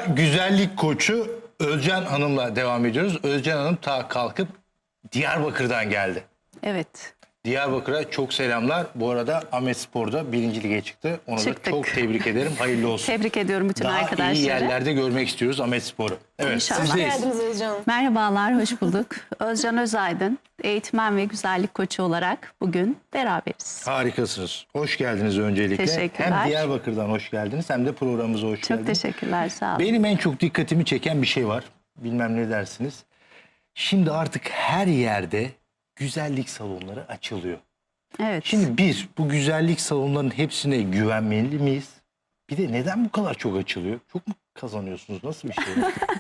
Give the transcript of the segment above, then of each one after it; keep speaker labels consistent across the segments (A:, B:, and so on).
A: güzellik koçu Özcan Hanım'la devam ediyoruz. Özcan Hanım kalkıp Diyarbakır'dan geldi.
B: Evet.
A: Diyarbakır'a çok selamlar. Bu arada Ahmetspor'da 1. lige çıktı. Onu da çok tebrik ederim. Hayırlı olsun.
B: Tebrik ediyorum bütün arkadaşları.
A: Daha iyi yerlerde görmek istiyoruz Ahmetspor'u. Evet,
B: İnşallah.
A: sizdeyiz.
C: Hoş geldiniz Özcan.
B: Merhabalar, hoş bulduk. Özcan Özaydın, eğitmen ve güzellik koçu olarak bugün beraberiz.
A: Harikasınız. Hoş geldiniz öncelikle.
B: Teşekkürler.
A: Hem Diyarbakır'dan hoş geldiniz hem de programımıza hoş geldiniz.
B: Çok teşekkürler, sağ olun.
A: Benim en çok dikkatimi çeken bir şey var. Bilmem ne dersiniz. Şimdi artık her yerde güzellik salonları açılıyor.
B: Evet.
A: Şimdi bu güzellik salonlarının hepsine güvenmeli miyiz? Bir de neden bu kadar çok açılıyor? Çok mu kazanıyorsunuz? Nasıl bir şey?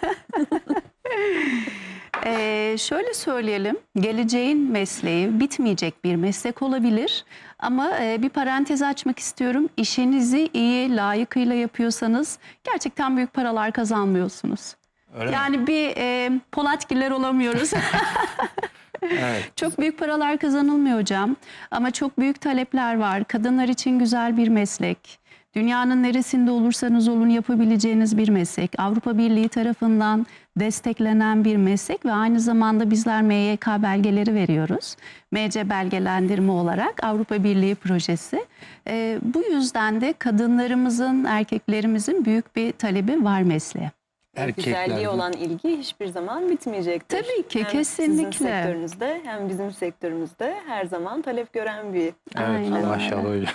B: Şöyle söyleyelim, geleceğin mesleği bitmeyecek bir meslek olabilir. Ama bir parantez açmak istiyorum. İşinizi iyi, layıkıyla yapıyorsanız gerçekten büyük paralar kazanmıyorsunuz.
A: Öyle
B: yani
A: mi?
B: bir Polatgiller olamıyoruz.
A: Evet.
B: Çok büyük paralar kazanılmıyor hocam. Ama çok büyük talepler var. Kadınlar için güzel bir meslek. Dünyanın neresinde olursanız olun yapabileceğiniz bir meslek. Avrupa Birliği tarafından desteklenen bir meslek ve aynı zamanda bizler MYK belgeleri veriyoruz. MC belgelendirme olarak Avrupa Birliği projesi. Bu yüzden de kadınlarımızın, erkeklerimizin büyük bir talebi var mesleğe.
C: Güzelliğe olan ilgi hiçbir zaman bitmeyecektir.
B: Tabii ki,
C: hem
B: kesinlikle.
C: Sizin sektörünüzde hem bizim sektörümüzde her zaman talep gören bir...
A: Evet,
B: Aynen
A: maşallah öyle.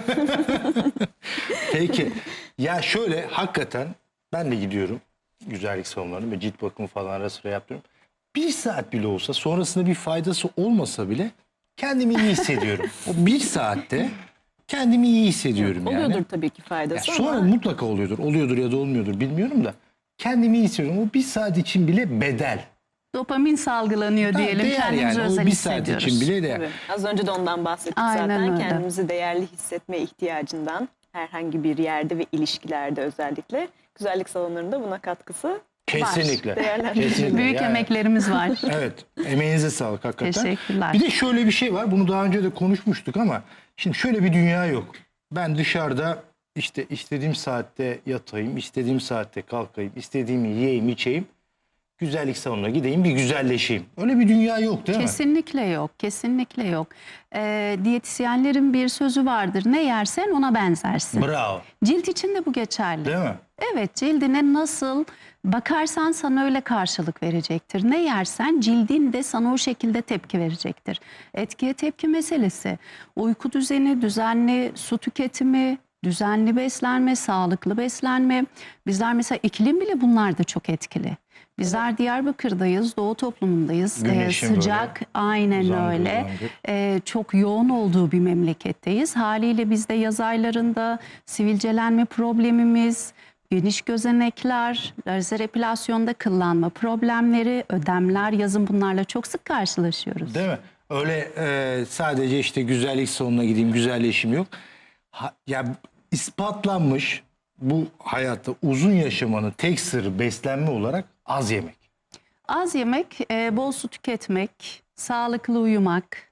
A: Peki, ya şöyle hakikaten ben de gidiyorum güzellik salonlarına ve cilt bakımı falan ara sıra yapıyorum. 1 saat bile olsa sonrasında bir faydası olmasa bile kendimi iyi hissediyorum. O 1 saatte kendimi iyi hissediyorum yani.
C: Oluyordur tabii ki faydası
A: Ya sonra
C: ama...
A: mutlaka oluyordur. Oluyordur ya da olmuyordur bilmiyorum da. Kendimi iyi hissediyorum. O 1 saat için bile bedel.
B: Dopamin salgılanıyor diyelim.
A: Değer
B: Kendimizi
A: yani.
B: özel
A: O 1 saat
B: hissediyoruz.
A: için bile değer.
C: Tabii. Az önce de ondan bahsettik
B: Aynen
C: zaten.
B: öyle.
C: Kendimizi değerli hissetme ihtiyacından herhangi bir yerde ve ilişkilerde özellikle güzellik salonlarında buna katkısı
A: Kesinlikle.
C: Değerlendirelim.
A: Kesinlikle.
B: Büyük
A: Yani-
B: emeklerimiz var.
A: Evet. Emeğinize sağlık hakikaten.
B: Teşekkürler.
A: Bir de şöyle bir şey var. Bunu daha önce de konuşmuştuk ama şimdi şöyle bir dünya yok. Ben dışarıda işte istediğim saatte yatayım, istediğim saatte kalkayım, istediğimi yiyeyim, içeyim. Güzellik salonuna gideyim, bir güzelleşeyim. Öyle bir dünya yok değil mi?
B: Kesinlikle yok, kesinlikle yok. Diyetisyenlerin bir sözü vardır. Ne yersen ona benzersin.
A: Bravo.
B: Cilt için de bu geçerli.
A: Değil mi?
B: Evet, cildine nasıl bakarsan sana öyle karşılık verecektir. Ne yersen cildin de sana o şekilde tepki verecektir. Etkiye tepki meselesi. Uyku düzeni, düzenli su tüketimi, düzenli beslenme, sağlıklı beslenme. Bizler mesela iklim bile bunlar da çok etkili. Bizler Diyarbakır'dayız, Doğu toplumundayız.
A: Güneşin
B: Sıcak,
A: böyle
B: aynen
A: uzandır,
B: öyle.
A: uzandır.
B: Çok yoğun olduğu bir memleketteyiz. Haliyle bizde yaz aylarında sivilcelenme problemimiz, geniş gözenekler, lazer epilasyonda kıllanma problemleri, ödemler, yazın bunlarla çok sık karşılaşıyoruz.
A: Değil mi? Öyle sadece işte güzellik salonuna gideyim, güzelleşim yok. Ya ispatlanmış bu hayatta uzun yaşamanın tek sırrı beslenme olarak az yemek.
B: Az yemek, bol su tüketmek, sağlıklı uyumak.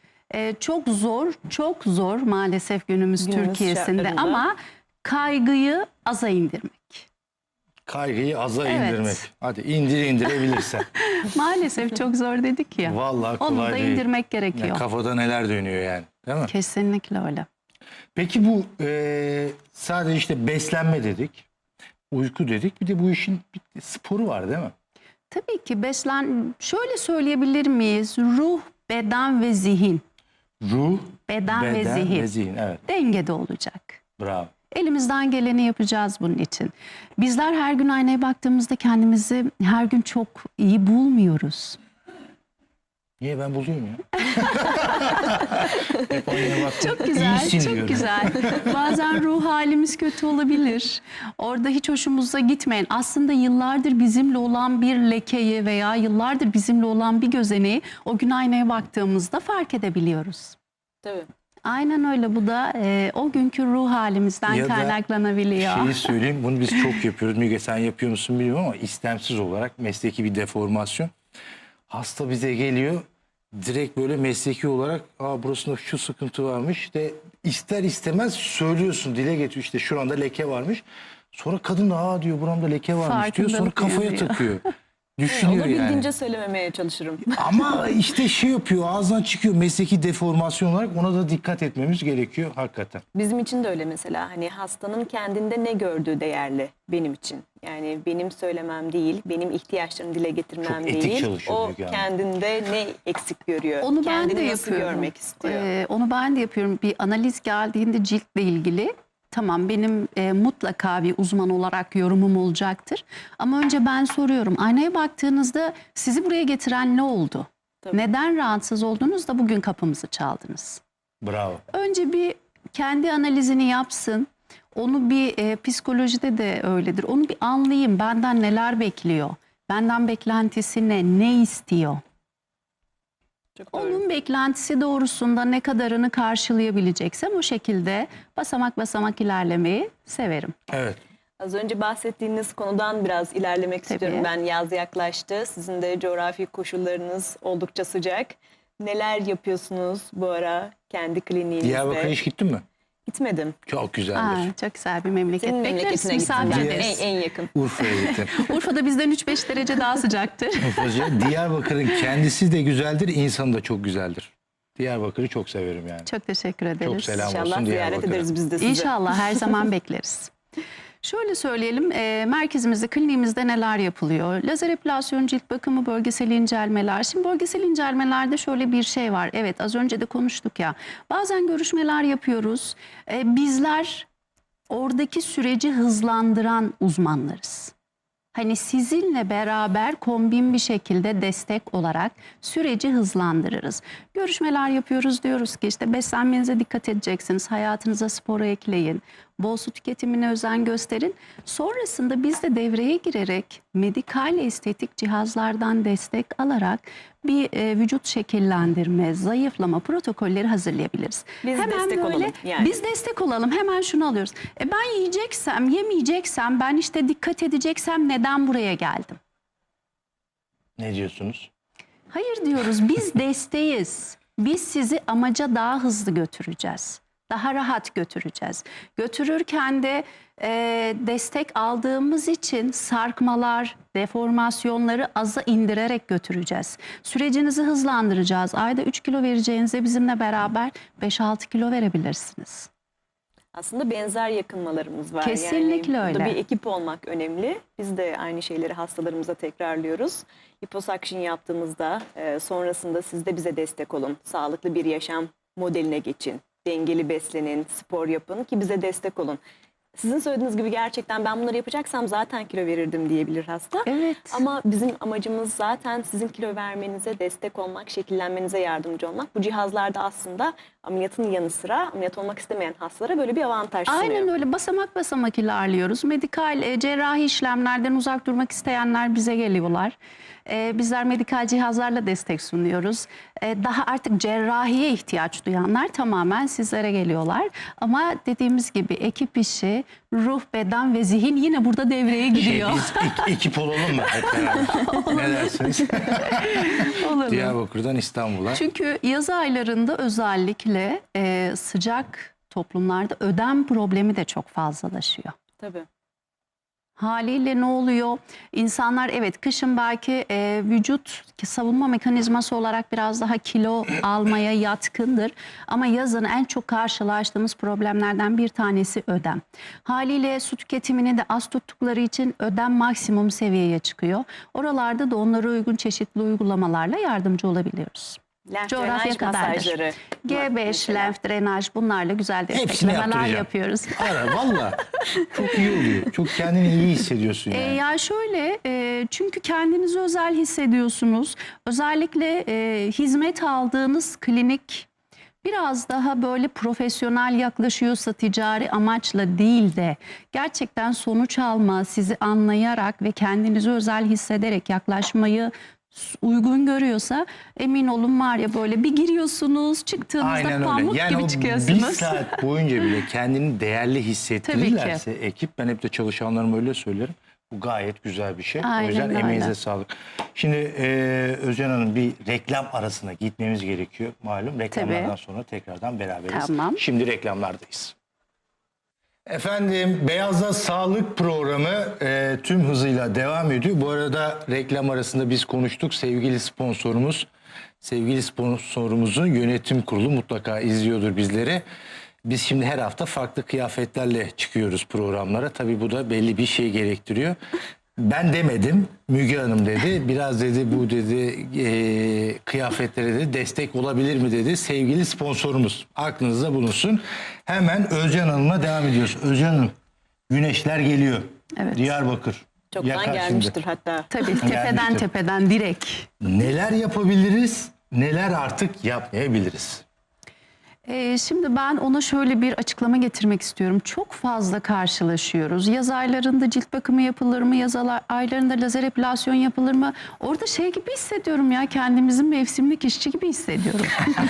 B: Çok zor maalesef günümüz Türkiye'sinde
C: şartlarında.
B: ama kaygıyı aza indirmek.
A: Kaygıyı aza
B: Evet.
A: indirmek. Hadi indirebilirsen.
B: Maalesef çok zor dedik ya.
A: Vallahi kolay
B: Onu da
A: değil.
B: indirmek gerekiyor.
A: Yani kafada neler dönüyor yani. Değil mi?
B: Kesinlikle öyle.
A: Peki bu sadece işte beslenme dedik. Uyku dedik. Bir de bu işin bir sporu var değil mi?
B: Tabii ki şöyle söyleyebilir miyiz? Ruh, beden ve zihin.
A: Ruh,
B: Beden ve
A: beden
B: zihin.
A: ve zihin. Evet.
B: Dengede olacak.
A: Bravo.
B: Elimizden geleni yapacağız bunun için. Bizler her gün aynaya baktığımızda kendimizi her gün çok iyi bulmuyoruz.
A: Niye ben buluyorum ya? Hep aynaya baktım.
B: Çok güzel,
A: İyisin
B: çok
A: diyorum.
B: güzel. Bazen ruh halimiz kötü olabilir. Orada hiç hoşumuza gitmeyen, aslında yıllardır bizimle olan bir lekeyi veya yıllardır bizimle olan bir gözeneği o gün aynaya baktığımızda fark edebiliyoruz.
C: Tabii.
B: Aynen öyle, bu da o günkü ruh halimizden
A: Ya da
B: kaynaklanabiliyor.
A: Şeyi söyleyeyim, bunu biz çok yapıyoruz. Müge sen yapıyor musun bilmiyorum ama istemsiz olarak mesleki bir deformasyon. Hasta bize geliyor, direkt böyle mesleki olarak burasında şu sıkıntı varmış de ister istemez söylüyorsun, dile getiriyor, işte şuranda leke varmış. Sonra kadın da diyor buramda leke varmış diyor. Sonra
B: Farkındalık
A: kafaya
B: uyanıyor.
A: takıyor. Düşünüyor yani.
C: Olabildiğince söylememeye çalışırım.
A: Ama işte şey yapıyor, ağzından çıkıyor, mesleki deformasyon olarak ona da dikkat etmemiz gerekiyor hakikaten.
C: Bizim için de öyle mesela. Hani hastanın kendinde ne gördüğü değerli benim için. Yani benim söylemem değil, benim ihtiyaçlarımı dile getirmem
A: Çok etik
C: değil.
A: çalışıyor
C: O
A: Müge Hanım.
C: kendinde ne eksik görüyor,
B: Onu ben
C: kendini
B: de
C: nasıl
B: yapıyorum.
C: görmek istiyor.
B: Onu ben de yapıyorum. Bir analiz geldiğinde ciltle ilgili tamam benim mutlaka bir uzman olarak yorumum olacaktır. Ama önce ben soruyorum. Aynaya baktığınızda sizi buraya getiren ne oldu?
C: Tabii.
B: Neden rahatsız oldunuz da bugün kapımızı çaldınız?
A: Bravo.
B: Önce bir kendi analizini yapsın. Onu bir psikolojide de öyledir. Onu bir anlayayım. Benden neler bekliyor? Benden beklentisi ne? Ne istiyor?
C: Çok doğru.
B: Onun beklentisi doğrusunda ne kadarını karşılayabileceksem o şekilde basamak basamak ilerlemeyi severim.
A: Evet.
C: Az önce bahsettiğiniz konudan biraz ilerlemek
B: Tabii.
C: istiyorum. Ben yaz yaklaştı. Sizin de coğrafi koşullarınız oldukça sıcak. Neler yapıyorsunuz bu ara kendi kliniğinizde?
A: Diyarbakır'a hiç gittin mi?
C: Gitmedim.
A: Çok güzeldir.
B: Çok güzel bir memleket.
C: Senin
B: Bekleriz,
C: memleketine
B: misafir
C: gittim.
B: ederiz.
C: En yakın.
A: Urfa'ya gittim.
B: Urfa'da bizden 3-5 derece daha sıcaktır.
A: Urfa'cı. Diyarbakır'ın kendisi de güzeldir, insanı da çok güzeldir. Diyarbakır'ı çok severim yani.
B: Çok teşekkür ederiz.
A: Çok selam
C: İnşallah
A: olsun
C: ziyaret
A: Diyarbakır'a.
C: ederiz biz de sizi.
B: İnşallah her zaman bekleriz. Şöyle söyleyelim, merkezimizde, kliniğimizde neler yapılıyor? Lazer epilasyon, cilt bakımı, bölgesel incelmeler. Şimdi bölgesel incelmelerde şöyle bir şey var. Evet, az önce de konuştuk ya. Bazen görüşmeler yapıyoruz. Bizler oradaki süreci hızlandıran uzmanlarız. Hani sizinle beraber kombin bir şekilde destek olarak süreci hızlandırırız. Görüşmeler yapıyoruz, diyoruz ki işte beslenmenize dikkat edeceksiniz, hayatınıza sporu ekleyin, bol su tüketimine özen gösterin. Sonrasında biz de devreye girerek medikal estetik cihazlardan destek alarak bir vücut şekillendirme, zayıflama protokolleri hazırlayabiliriz.
C: Biz destek olalım yani.
B: Biz destek olalım, hemen şunu alıyoruz. Ben yiyeceksem, yemeyeceksem, ben işte dikkat edeceksem neden buraya geldim?
A: Ne diyorsunuz?
B: Hayır diyoruz, biz desteğiz. Biz sizi amaca daha hızlı götüreceğiz. Daha rahat götüreceğiz. Götürürken de destek aldığımız için sarkmalar, deformasyonları aza indirerek götüreceğiz. Sürecinizi hızlandıracağız. Ayda 3 kilo vereceğinize bizimle beraber 5-6 kilo verebilirsiniz.
C: Aslında benzer yakınmalarımız var.
B: Kesinlikle
C: yani burada
B: öyle.
C: bir ekip olmak önemli. Biz de aynı şeyleri hastalarımıza tekrarlıyoruz. Liposuction yaptığımızda sonrasında siz de bize destek olun. Sağlıklı bir yaşam modeline geçin. Dengeli beslenin, spor yapın ki bize destek olun. Sizin söylediğiniz gibi gerçekten ben bunları yapacaksam zaten kilo verirdim diyebilir hasta.
B: Evet.
C: Ama bizim amacımız zaten sizin kilo vermenize destek olmak, şekillenmenize yardımcı olmak. Bu cihazlarda aslında ameliyatın yanı sıra ameliyat olmak istemeyen hastalara böyle bir avantaj sunuyor.
B: Aynen öyle, basamak basamak ilerliyoruz. Medikal cerrahi işlemlerden uzak durmak isteyenler bize geliyorlar. Bizler medikal cihazlarla destek sunuyoruz. Daha artık cerrahiye ihtiyaç duyanlar tamamen sizlere geliyorlar. Ama dediğimiz gibi ekip işi, ruh, beden ve zihin yine burada devreye giriyor.
A: Biz ekip olalım mı hep beraber? Ne dersiniz?
B: Olur mu?
A: Diyarbakır'dan İstanbul'a.
B: Çünkü yaz aylarında özellikle sıcak toplumlarda ödem problemi de çok fazlalaşıyor.
C: Tabii.
B: Haliyle ne oluyor? İnsanlar evet kışın belki vücut savunma mekanizması olarak biraz daha kilo almaya yatkındır. Ama yazın en çok karşılaştığımız problemlerden bir tanesi ödem. Haliyle su tüketimini de az tuttukları için ödem maksimum seviyeye çıkıyor. Oralarda da onlara uygun çeşitli uygulamalarla yardımcı olabiliyoruz.
C: Lenf
B: Coğrafya
C: drenaj
B: kadardır.
C: masajları.
B: G5,
C: mesela.
B: lenf, drenaj bunlarla güzel
A: Hepsini
B: desteklemeler
A: yaptıracağım.
B: yapıyoruz.
A: Ara valla. Çok iyi oluyor. Çok kendini iyi hissediyorsun yani.
B: Ya şöyle çünkü kendinizi özel hissediyorsunuz. Özellikle hizmet aldığınız klinik biraz daha böyle profesyonel yaklaşıyorsa ticari amaçla değil de gerçekten sonuç alma, sizi anlayarak ve kendinizi özel hissederek yaklaşmayı uygun görüyorsa emin olun var ya böyle bir giriyorsunuz çıktığınızda
A: Aynen
B: pamuk
A: öyle. Yani
B: gibi
A: o bir
B: çıkıyorsunuz.
A: saat boyunca bile kendini değerli hissettirirlerse ekip, ben hep de çalışanlarıma öyle söylerim. Bu gayet güzel bir şey.
B: Aynen
A: o yüzden
B: öyle.
A: emeğinize sağlık. Şimdi Özcan Hanım, bir reklam arasına gitmemiz gerekiyor. Malum reklamlardan
B: Tabii.
A: sonra tekrardan beraberiz.
B: Tamam.
A: Şimdi reklamlardayız. Efendim Beyaz'da Sağlık programı tüm hızıyla devam ediyor. Bu arada reklam arasında biz konuştuk. Sevgili sponsorumuzun yönetim kurulu mutlaka izliyordur bizleri. Biz şimdi her hafta farklı kıyafetlerle çıkıyoruz programlara. Tabii bu da belli bir şey gerektiriyor. Ben demedim, Müge Hanım dedi. Biraz dedi bu dedi kıyafetlere de destek olabilir mi dedi. Sevgili sponsorumuz aklınızda bulunsun. Hemen Özcan Hanım'la devam ediyoruz. Özcan Hanım, güneşler geliyor.
B: Evet.
A: Diyarbakır.
C: Çoktan
A: yakar
C: gelmiştir
A: şimdi.
C: hatta.
B: Tabii tepeden
A: Gelmiştir.
B: tepeden direkt.
A: Neler yapabiliriz, neler artık yapmayabiliriz?
B: Şimdi ben ona şöyle bir açıklama getirmek istiyorum. Çok fazla karşılaşıyoruz. Yaz aylarında cilt bakımı yapılır mı? Yaz aylarında lazer epilasyon yapılır mı? Orada şey gibi hissediyorum ya, kendimizi mevsimlik işçi gibi hissediyorum.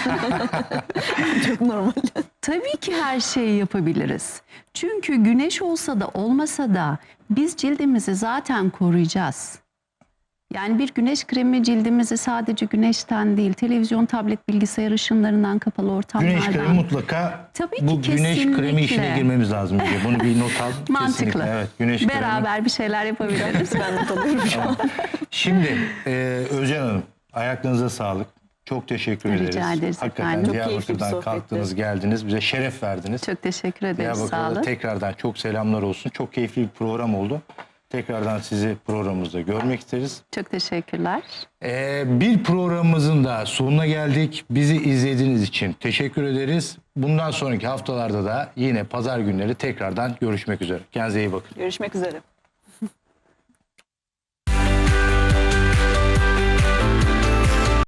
C: Çok normal.
B: Tabii ki her şeyi yapabiliriz. Çünkü güneş olsa da olmasa da biz cildimizi zaten koruyacağız. Yani bir güneş kremi cildimizi sadece güneşten değil, televizyon, tablet, bilgisayar ışınlarından, kapalı ortamlardan.
A: Güneş kremi mutlaka
B: Tabii ki,
A: bu güneş kremi
B: kesinlikle.
A: işine girmemiz lazım. Müge. Bunu bir not al.
B: Mantıklı.
A: Kesinlikle. Evet, güneş kremi.
B: Beraber bir şeyler yapabiliriz.
C: Ben not alıyorum şu an.
A: Şimdi Özcan Hanım, ayaklarınıza sağlık. Çok teşekkür
B: Rica
A: ederiz.
B: ederiz
A: Hakikaten
B: efendim. Çok
C: keyifli bir
A: Diyarbakır'dan
C: sohbetti.
A: kalktınız, geldiniz. Bize şeref verdiniz.
B: Çok teşekkür ederiz. Sağ
A: Diyarbakır'da
B: olun.
A: tekrardan çok selamlar olsun. Çok keyifli bir program oldu. Tekrardan sizi programımızda görmek isteriz.
B: Çok teşekkürler.
A: Bir programımızın da sonuna geldik. Bizi izlediğiniz için teşekkür ederiz. Bundan sonraki haftalarda da yine pazar günleri tekrardan görüşmek üzere. Kendinize iyi bakın.
C: Görüşmek üzere.